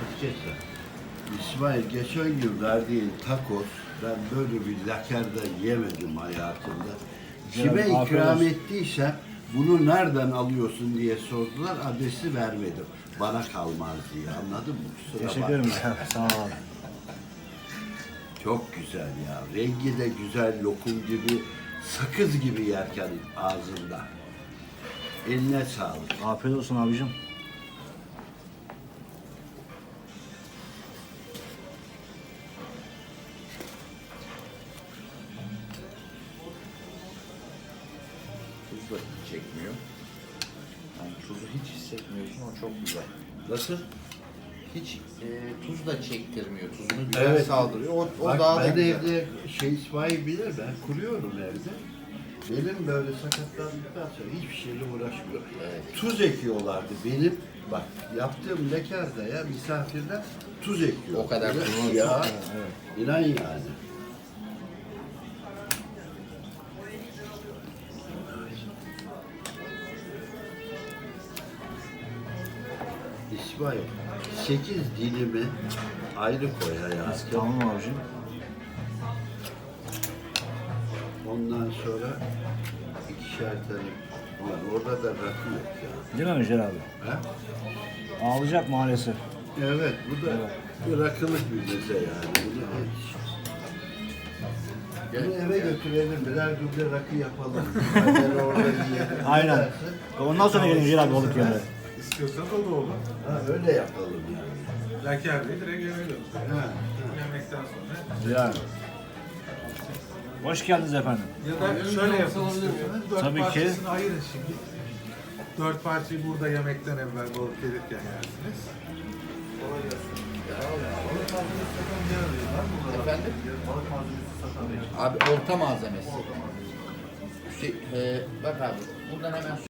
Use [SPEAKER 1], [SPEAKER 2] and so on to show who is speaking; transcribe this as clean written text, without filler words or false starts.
[SPEAKER 1] Keser. İsmail geçen gün verdiğin takos, ben böyle bir lakerde yemedim hayatımda. Kime
[SPEAKER 2] Güzel, afiyet
[SPEAKER 1] ikram
[SPEAKER 2] olsun.
[SPEAKER 1] ettiysem bunu nereden alıyorsun diye sordular, adresi vermedim. Bana kalmaz diye, anladın mı? Kusura
[SPEAKER 2] Teşekkür
[SPEAKER 1] bakma.
[SPEAKER 2] ederim. Sağ ol abi.
[SPEAKER 1] Çok güzel ya. Rengi de güzel, lokum gibi, sakız gibi yerken ağzında. Eline sağlık.
[SPEAKER 2] Afiyet olsun abicim.
[SPEAKER 3] Tuz da hiç çekmiyor. Yani tuzu hiç hissetmiyorsun, o çok güzel.
[SPEAKER 1] Nasıl?
[SPEAKER 3] Hiç tuz da çektirmiyor, tuzunu güzel
[SPEAKER 1] Evet.
[SPEAKER 3] saldırıyor. O
[SPEAKER 1] Bak,
[SPEAKER 3] daha da
[SPEAKER 1] ben
[SPEAKER 3] güzel.
[SPEAKER 1] evde İsmail bilir, ben kuruyorum evde. Benim böyle sakatlandıktan sonra hiçbir şeyle uğraşmıyorum.
[SPEAKER 3] Evet.
[SPEAKER 1] Tuz ekiyorlardı benim. Bak yaptığım lekarda ya misafirler tuz ekiyor.
[SPEAKER 3] O kadar tuz.
[SPEAKER 1] Ya.
[SPEAKER 2] Evet.
[SPEAKER 1] İnan yani. İsmail, 8 dilimi ayrı koy hayatım.
[SPEAKER 2] Tamam abicim.
[SPEAKER 1] Ondan sonra ikişer tane. Ulan orada da rakı yok ya.
[SPEAKER 2] Değil mi Ömer abi?
[SPEAKER 1] Ha?
[SPEAKER 2] Ağlayacak maalesef.
[SPEAKER 1] Evet, bu da bir rakılık bir meze yani. Bunu eve götürelim, birer duble rakı yapalım. Ben orada yiyelim.
[SPEAKER 2] Aynen.
[SPEAKER 1] Dersin.
[SPEAKER 2] Ondan sonra gelin Ömer abi balık yemeye.
[SPEAKER 4] İstiyorsanız o da olur.
[SPEAKER 1] Ha, öyle yapalım yani.
[SPEAKER 4] Laker Bey direkt yemeğe götürüyor.
[SPEAKER 1] Ha,
[SPEAKER 4] Yemekten sonra.
[SPEAKER 2] Yani. Hoş geldiniz efendim.
[SPEAKER 4] Ya da şöyle yapın istiyorsanız. Dört
[SPEAKER 2] Tabii ki.
[SPEAKER 4] parçasını ayırın şimdi. 4 parçayı burada yemekten evvel balık gelirken yersiniz. Kolay gelsin. Balık malzemesi satan bir yer arıyor. Var mı burada?
[SPEAKER 3] Efendim?
[SPEAKER 4] Balık malzemesi satan bir yer.
[SPEAKER 3] Abi olta malzemesi. Bak abi, buradan hemen